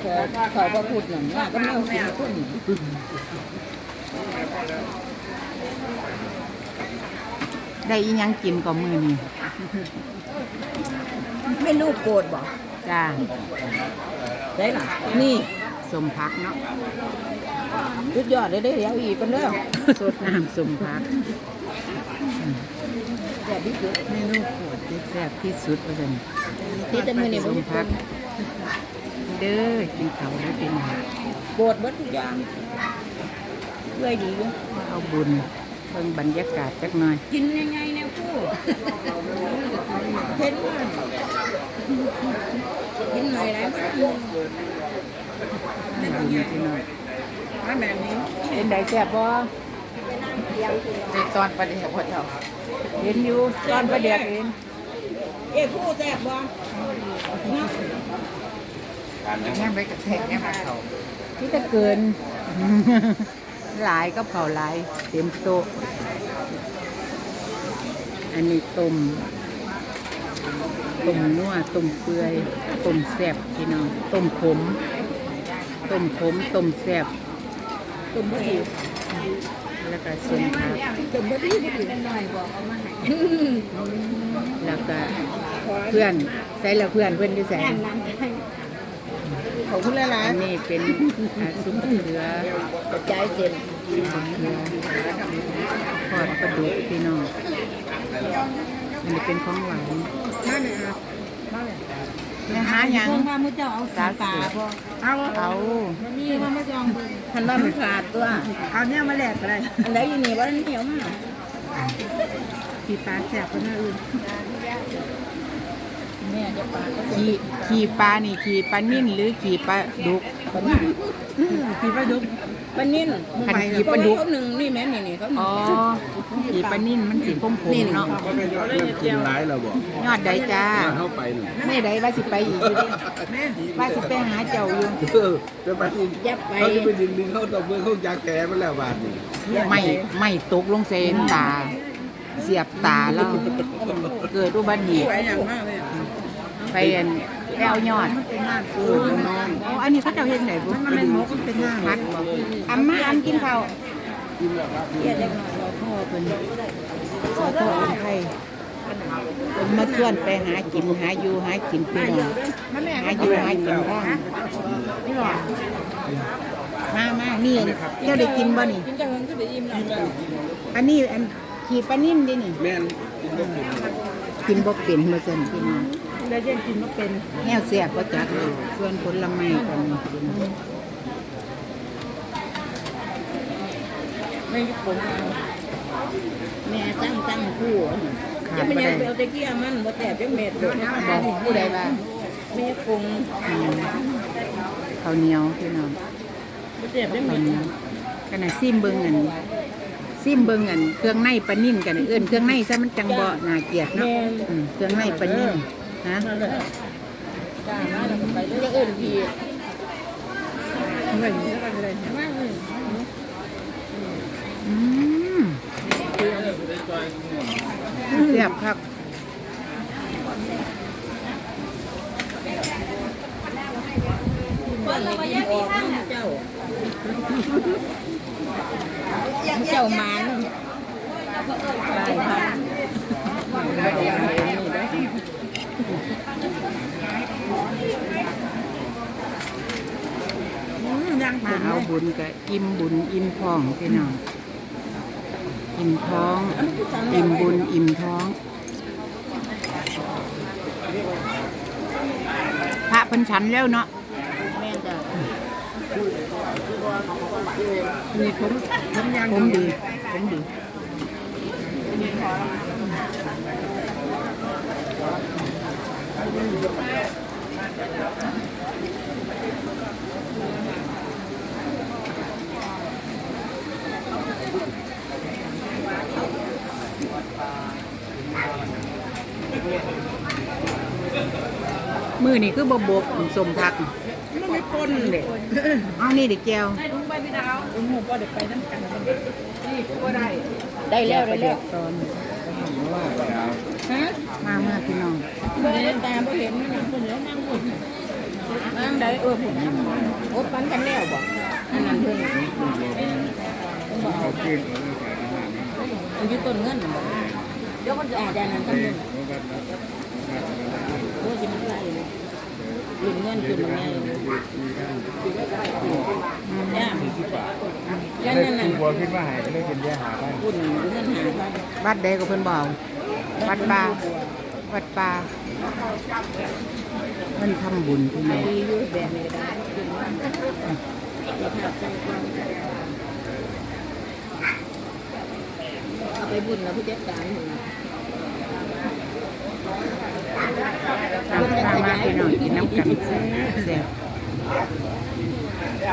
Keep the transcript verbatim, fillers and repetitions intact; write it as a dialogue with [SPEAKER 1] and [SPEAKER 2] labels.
[SPEAKER 1] เขาพระพุทธนั่นว่าก็แนวกินคน
[SPEAKER 2] ได้อีหยังกินก็มื้อนี้
[SPEAKER 1] ไม่ลูกโกรธบ่
[SPEAKER 2] จ้า
[SPEAKER 1] ได้ล่ะนี่
[SPEAKER 2] สมพักเนาะ
[SPEAKER 1] สุดยอดเลยได้เดี๋ยวอีกกันเด้อ
[SPEAKER 2] สดน้ำสมพัก
[SPEAKER 1] แบบนี้คือ
[SPEAKER 2] เมนูโปรดที่แซ่บที่สุดว่าซั่น
[SPEAKER 1] ที่จะมือนี่
[SPEAKER 2] ส
[SPEAKER 1] บ่
[SPEAKER 2] ม
[SPEAKER 1] มีค
[SPEAKER 2] พัก
[SPEAKER 1] น
[SPEAKER 2] เด้อกินข้าวแล้วเป็นหยัง
[SPEAKER 1] โกรธเบิดทุกอย่างด้วยดีอยู่
[SPEAKER 2] เอาบุญเบิ่งบรรยากาศจักหน่อย
[SPEAKER 1] กินยังไงแนวคู่เห็นว่ากินหน่อยไรบ้าง
[SPEAKER 2] บุญพี่น้อย
[SPEAKER 1] มาแบบนี้
[SPEAKER 2] เป็นไดแซ่บบ่ในตอนประเดี๋ยวพ่อเจ้าเห็นอยู่ตอนประเดี๋ยวเห็น
[SPEAKER 1] เอ้คู่แซ่บบ่เนาะ
[SPEAKER 2] ย่างไปกระแทกย่างไปเขาที่จะเกิน หลายก็เผาหลายเต็มโต๊ะอันนี้ต้มต้มนัวต้มเปื่อยต้มแซ่บพี่น้องต้มขมต้มขมต้มแซ่บ
[SPEAKER 1] ตุ่มบ่ดี
[SPEAKER 2] แล้วก็ส่วนผัก
[SPEAKER 1] ตุ่มบ่ดีบ่ดีหน่อยบอกเอามาให้
[SPEAKER 2] แล้วก็เพื่อนใส่แล้วเพื่อนเพื่อนที่ใส่
[SPEAKER 1] แอนน้ำให้ของคุณละลาย
[SPEAKER 2] อันนี้เป็นอ่าซุปมะเขือก
[SPEAKER 1] ระจายเต็ม
[SPEAKER 2] ซุปมะเขือทอดปลาดุกพี่น้องอันนี้เป็นของหวาน
[SPEAKER 1] มาเลยครับมาเลย
[SPEAKER 2] แม่หาหยัง
[SPEAKER 1] เพิ่งว่ามื้อเจ้าเอาสาตาบ่เอา
[SPEAKER 2] เอา
[SPEAKER 1] นี่ว่ามาจองทันว่ามันขาดตัวเอาเนี่ยมาแลกก็ได้อันใดอยู่นี่ว่าเหนียวมากขี่ปลาแซ่บกว่าหน้าอื่นแม่จะปลาก็
[SPEAKER 2] ขี่ขี่ปลานี่ขี่ปลานิ่นหรือขี่ปลาดุก
[SPEAKER 1] ปลานิ่นขี่ปลาดุกปลานิ่น
[SPEAKER 2] คันขี่ปลาดุก
[SPEAKER 1] เขาหนึ่งนี่แม่นี่นี่เขา
[SPEAKER 2] อ๋อขี่ปลานิ่นมันสีพมผมเนาะ
[SPEAKER 3] ก็เป็นยอดเริ่มขึ้นร้ายเราบอก
[SPEAKER 2] ยอดใดจ้า
[SPEAKER 3] เข้าไปหนึ่ง
[SPEAKER 2] ไม่ใดว่าสิไปอีกอยู่ดิว่าสิไปหาเจ้าอยู่
[SPEAKER 3] เออจะไปนี่เขาจะไปดึงดึงเข้าตบมือเข้ายาแก่มาแล้วบาทนี่
[SPEAKER 2] ไม่ไม่ตกลงเซนตา เสียบตาแล้วเกิดอุบัติเหตุ
[SPEAKER 1] ไปอย่างมากเลย
[SPEAKER 2] ไปอันแก้วยอด
[SPEAKER 1] เป็นหน้า
[SPEAKER 3] เออน้อง
[SPEAKER 2] อ๋ออันนี้เขาเจ้าเห็นไหนบุ
[SPEAKER 1] มันเป็นหมกมันเป็นหน้า
[SPEAKER 2] พัดบ่อัมมาอันกินข้าว
[SPEAKER 3] กินแบบว่า
[SPEAKER 1] เรียกเด็กหน่อยเรา
[SPEAKER 2] พ่อเป็นสาธุคนไทยเป็นมาชวนไปหากินหาอยู่หากินพี่น้อง
[SPEAKER 1] มันแม่
[SPEAKER 2] หาอยู่หากินบ้างนี่หรอมามานี่เจ้าได้กินบ่นี่
[SPEAKER 1] กินจังก็ได้อิ่มแล้ว
[SPEAKER 2] อันนี้อันขี่ปลานิ่มดินี่
[SPEAKER 3] แม่น
[SPEAKER 2] กินบ่เป็นมาสั่นพี่น้อง
[SPEAKER 1] ได้เย็นกินมาเป็น
[SPEAKER 2] แนวเสียบก็จักเลยส่วนผลไม้กันนี่กิน
[SPEAKER 1] ไม่ผลแม่ตั้งตั้งคู่จะไม่ยังเอาตะเกียมันบ่แต่จังเม็ดเลย
[SPEAKER 2] บอกผู้ใดว่า
[SPEAKER 1] แม่คง
[SPEAKER 2] อืมข้าวเหนียวพี่น้อง
[SPEAKER 1] บ่แต่จัง
[SPEAKER 2] ข้า
[SPEAKER 1] เม็
[SPEAKER 2] ว
[SPEAKER 1] ด
[SPEAKER 2] เหนียวกันน่ะซิมเบิ่งอันซิมเบิ่งอันเครื่องในปลานิ่มกันเอิ้นเครื่องในซะมันจังบ่น่าเกลียดเนาะอืมเครื่องในปลานิ่มฮะ
[SPEAKER 1] นั่นแหละจ้ามาแล้วไปเลยจะเอิ้นพี่เงินเท่ากันเลยมากเลย
[SPEAKER 2] อืมเสียบครับ
[SPEAKER 1] เพิ่นเลยยิ้มออกน้ำเจ้าเจ้ามันได้ค่ะยัง
[SPEAKER 2] มาเอาบุญกับอิ่มบุญอิ่มท้องพี่น้องอิ่มท้อง อิ่มบุญอิ่มท้อง พระเพันฉันแล้วเนาะ
[SPEAKER 1] แม่จ้ะ
[SPEAKER 2] มีผมผมยังผมดีผมดีมือนี่คือบบกสมพัก
[SPEAKER 1] มันไม่ปนเลย
[SPEAKER 2] เอานี่เด็กแก้ว
[SPEAKER 1] ให้ลุงไปพี่ดาวลุงหูก็เด็กไปน้ำกันนี่ก็ได้ ได้แล้วได้แล้ว
[SPEAKER 2] ตอน
[SPEAKER 1] ฮะ
[SPEAKER 2] มาเมื่อพี่น้อง
[SPEAKER 1] เบอร์ตาบ่เห็นมันคนเดียวนั่งบนมานั่งได้เออผมโอ้ปันกันแล้วบ่อันนั้นเพิ่นบอกมันอยู่ต้นเงินบ่เดี๋ยวมันจะอาจจะนั้นกันนึงโอ้ยมันไรเลยยืมเงินคืนมาไงเนี่ยแล้วนั่นน่ะ
[SPEAKER 3] บัวขึ้นมาหายก็เลยเป็นแย่หาบ้าน
[SPEAKER 1] คุณเงินหาบ้าน
[SPEAKER 2] วัดใดก็เพิ่นบอกวัดป่าวัดป่าเพิ่นทำบุญพี่น้อง
[SPEAKER 1] ดีอยู่แบบนี้ได้คืนบ้านเอาไปบุญแล้วผู้จัดการหนึ่ง
[SPEAKER 2] ตามมาพี่น้องกินน้ำกันแซ่บ